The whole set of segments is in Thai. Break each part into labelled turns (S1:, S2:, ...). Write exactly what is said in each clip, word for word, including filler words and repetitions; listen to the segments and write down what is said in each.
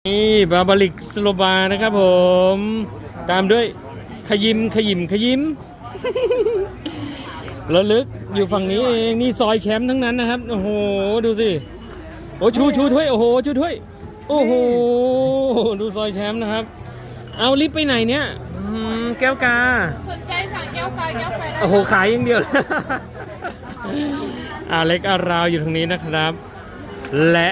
S1: นี่บาบาลิกสโลบานะครับผมตามด้วยขยิมขยิมขยิม ระลึกอยู่ฝั่งนี้เองนี่ซอยแชมป์ทั้งนั้นนะครับโอ้โหดูสิโอ้ชูชูถ้วยโอ้โหชูถ้วยโอ้โหดูซอยแชมป์นะครับเอาลิฟต์ไปไหนเนี่ยแก้วกา
S2: สนใจสั่งแก้วกาแก้วไฟได้
S1: โอ้โหขายอย่างเดียว อาเล็กอาราวอยู่ทางนี้นะครับและ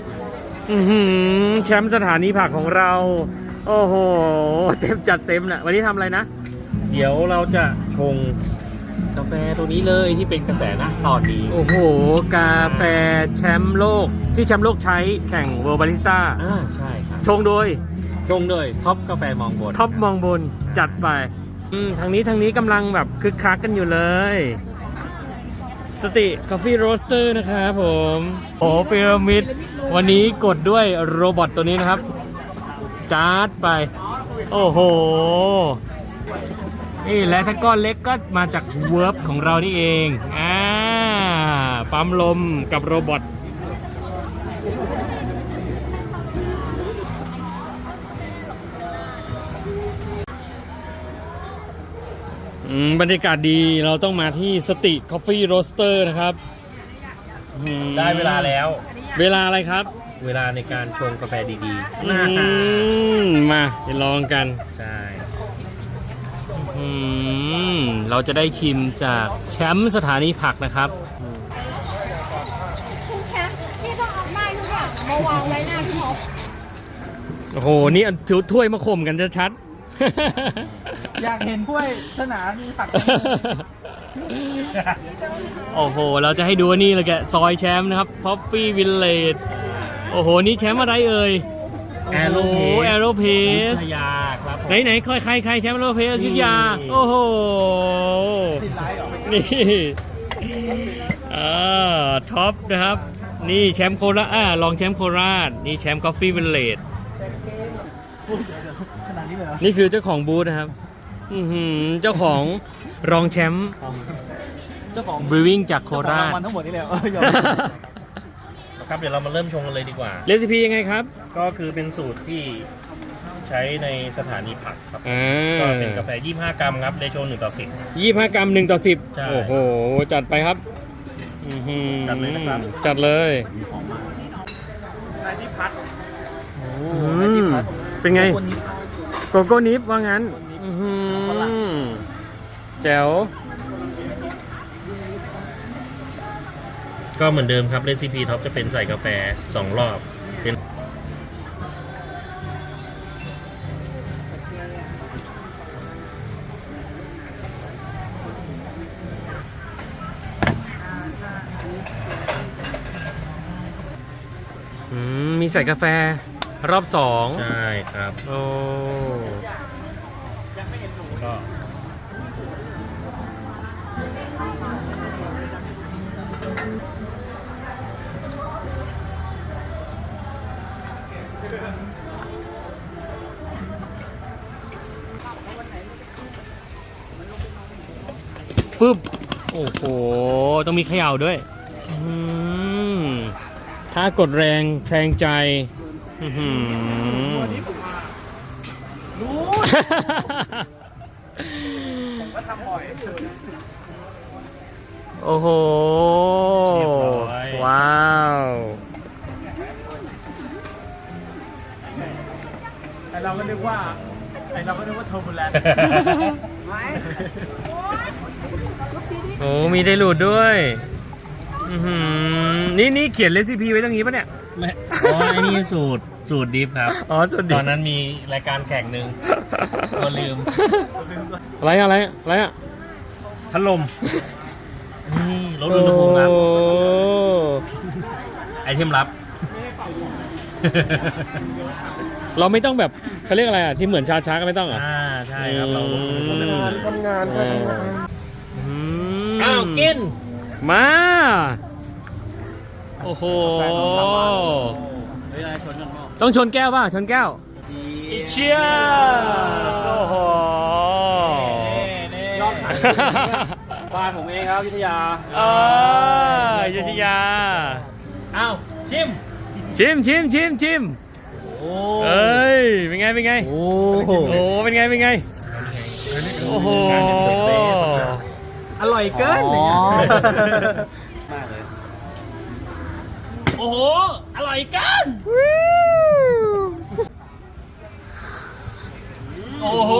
S1: แชมป์สถานีผักของเราโอ้โหเต็มจัดเต็มนะวันนี้ทำอะไรนะเดี๋ยวเราจะชงกาแฟตัวนี้เลยที่เป็นกระแสนะตอนนี้โอ้โหกาแฟแชมป์โลกที่แชมป์โลกใช้แข่งเวิลด์บาริสต้าอ่าใช่ครับชงโดยชงโดยท็อปกาแฟมองบนท็อปมองบนจัดไปอืมทางนี้ทางนี้กำลังแบบคึกคักกันอยู่เลยสติกาแฟโรสเตอร์นะครับผมโอ้พีระมิดวันนี้กดด้วยโรบอทตัวนี้นะครับจาร์ดไปโอ้โหนี่และถ้าก้อนเล็กก็มาจากเวิร์บของเรานี่เองอ่าปั๊มลมกับโรบอทบรรยากาศดีเราต้องมาที่สติคอฟฟี่โรสเตอร์นะครับ
S3: ได้เวลาแล้ว
S1: เวลาอะไรครับ
S3: เวลาในการชงกาแฟดีๆ
S1: มาไปลองกัน
S3: ใช่
S1: เราจะได้ชิมจากแชมป์สถานีผักนะครับ
S2: คุณแชมป์พี่ต้องเอาไม้ทุกอย่างมาวางไว้หน้าพี่หมอ
S1: โอ้โหนี่ถือถ้วยมาข่มกันชัด
S4: อยากเห็นถ้วยสนามมีผัก
S1: โอ้โหเราจะให้ดูนี่เลยแกซอยแชมป์นะครับพ็อปปี้วิลเลจโอ้โหนี่แชมป์อะไรเอ่ย
S3: แอโรเพส
S1: แอโรเพส
S3: ยาครับ
S1: ไหนไหนใครใครใครแชมป์แอโรเพสยุทธยาโอ้โหนี่อ่าท็อปนะครับนี่แชมป์โคราชอ่าลองแชมป์โคราชนี่แชมป์กาแฟวิลเลจนี่คือเจ้าของบูธนะครับเจ้าของรองแชมป์
S4: เจ้าของ
S1: บริวิ่งจากโคราช
S4: ทั้งหมดนี่แหละ
S3: ครับเดี๋ยวเรามาเริ่มชงกันเลยดีกว่า
S1: เรซิปียังไงครับ
S3: ก็คือเป็นสูตรที่ใช้ในสถานีผักครับก็เป็นกาแฟยี่สิบห้ากรัมครับเรโชหนึ่งต่อสิบ
S1: ยี่สิบห้ากรัมหนึ่งต่อสิบโอ้โหจัดไปครับ
S3: จัดเลยนะครับ
S1: จัดเลย
S4: นายที่พัด
S1: เป็นไงโกโก้นิฟว่างั้นแจ๋ว
S3: ก็เหมือนเดิมครับเรซิปีท็อปจะเป็นใส่กาแฟสองรอบเป็น
S1: มีใส่กาแฟรอบสอง
S3: ใช่ครับ
S1: โอ้
S3: ก็
S1: ฟึบโอ้โหต้องมีเขย่าด้วยถ้ากดแรงแทงใจ
S4: รู้ผมก็ทำบ่อย
S1: โอ้โหว้าว
S4: ไอเราก็นึกว่าไอเราก็นึกว่าโทบูแลนด์
S1: โอ้มีไดรูดด้วยนี่นี่เขียนเรซิปีไว้ตรงนี้ปะเนี่ย
S3: ไม่อ๋ออันนี้สูตรสูตรดิฟครับ
S1: อ๋อสูตรดิฟ
S3: ตอนนั้นมีรายการแข่งหนึ่งก็ลืม
S1: อะไรอะไรอะไรอะ
S3: พัดลมนี่ลดอุณหภูมิครับไอเทมลับ
S1: เราไม่ต้องแบบเขาเรียกอะไรอ่ะที่เหมือนชาช้าก็ไม่ต้องอ่ะ
S3: อ่าใช่ครับเราลดอุณหภูมิ
S4: ทำงานทำงาน
S1: อ้าวกินมาโอ้โหต้องชนแก้วป่ะชนแก้วเชียร์โอ้โห
S4: ยอดขายบ้านผมเองครับวิทยา
S1: เออวิทยา
S3: อ้าวชิม
S1: ชิมชิมชิมชิม
S3: โอ้
S1: เอ้ยเป็นไงเป็นไง
S4: โอ้
S1: โอ้โหเป็นไงเป็นไงโอ้โห
S4: อร่อยเกิน
S3: อ๋อ
S1: โอ้โหอร่อยเกันโอ้โห